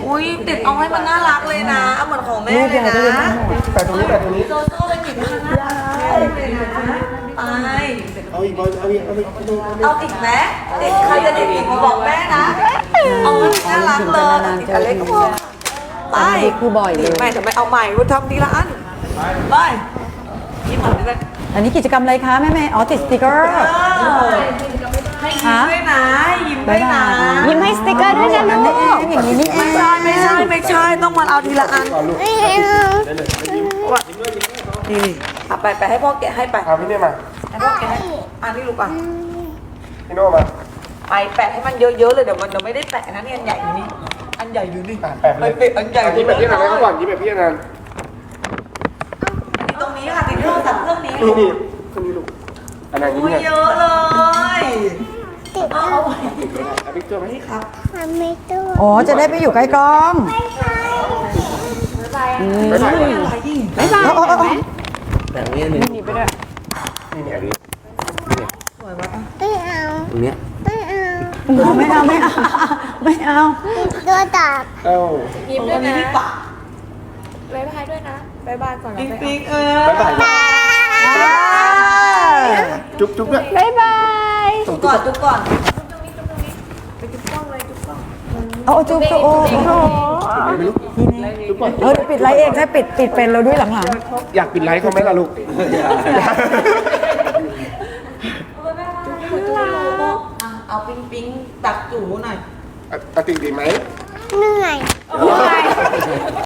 อุ้ยติดเอาให้มันน่ารักเลยนะเอาเหมือนของแม่เลยนะแต่ตรงนี้แต่ตรงนี้โซโซ่ไปหยิบให้มันน่ารักเลยนะไปเอาอีกบอลเอาอีกเอาอีกเอาอีกไหมเด็กใครจะเด็กอีกมาบอกแม่นะเอาให้มันน่ารักเลยอีกอันเล็กก็พอไปคือบ่อยเลยแม่จะไม่เอาใหม่กูทำทีละอันไปยิ้มหน่อยด้วยอันนี้กิจกรรมอะไรคะแม่อ๋อติดสติกเกอร์ให้ยิ้มด้วยนะยิ้มด้วยนะยิ้มให้สติกเกอร์ด้วยนะลูกอย่างนี้นี่เองไม่ใช่ต้องมาเอาทีละอันนี่ไปให้พ่อแกะให้ไปเอาพี่เนี่ยมาให้พ่อแกะให้อันนี้ลูกอ่ะพี่โน่มาไปแปะให้มันเยอะๆเลยเดี๋ยวมันไม่ได้แปะนะนี่อันใหญ่อยู่นี่อันใหญ่อยู่นี่แปะเลยไปอันใหญ่ยิ้มแบบพี่นันให้เขาก่อนยิ้มแบบพี่นันตรงนี้ค่ะติดโทรศัพท์เครื่องนี้นี่นี่คนนี้ลูกอันนั้นยิ้มอุ้ยเนี่ยเยอะเลยเอาไว้เอาพิกเจอร์ไหมนี่ครับอ๋อจะได้ไปอยู่ใกล้กล้องไม่ใช่อะไรยิ่งบ๊ายบายแต่ตรงนี้หนึ่งนี่เนี่ยอันนี้สวยวะตรงเนี้ยไม่เอาเตัวตัดอ้ายิ้มด้วยนะพี่ปะบ๊ายบายด้วยนะบ๊ายบายก่อนนะปิ๊งบ๊ายปิ๊งบ๊ายบายจุ๊บจุ๊บด้วยบายจุกก่อนจุกก่อนเอาจุ๊บโอ้ไม่รู้จุ๊บก่อนปิดไลฟ์เองใช่ปิดเป็นเราด้วยหลังอยากปิดไลค์เขาไหมล่ะลูกเอาปิ๊งปิ๊งตักจูหน่อยตัดติ่งดีไหมเหนื่อย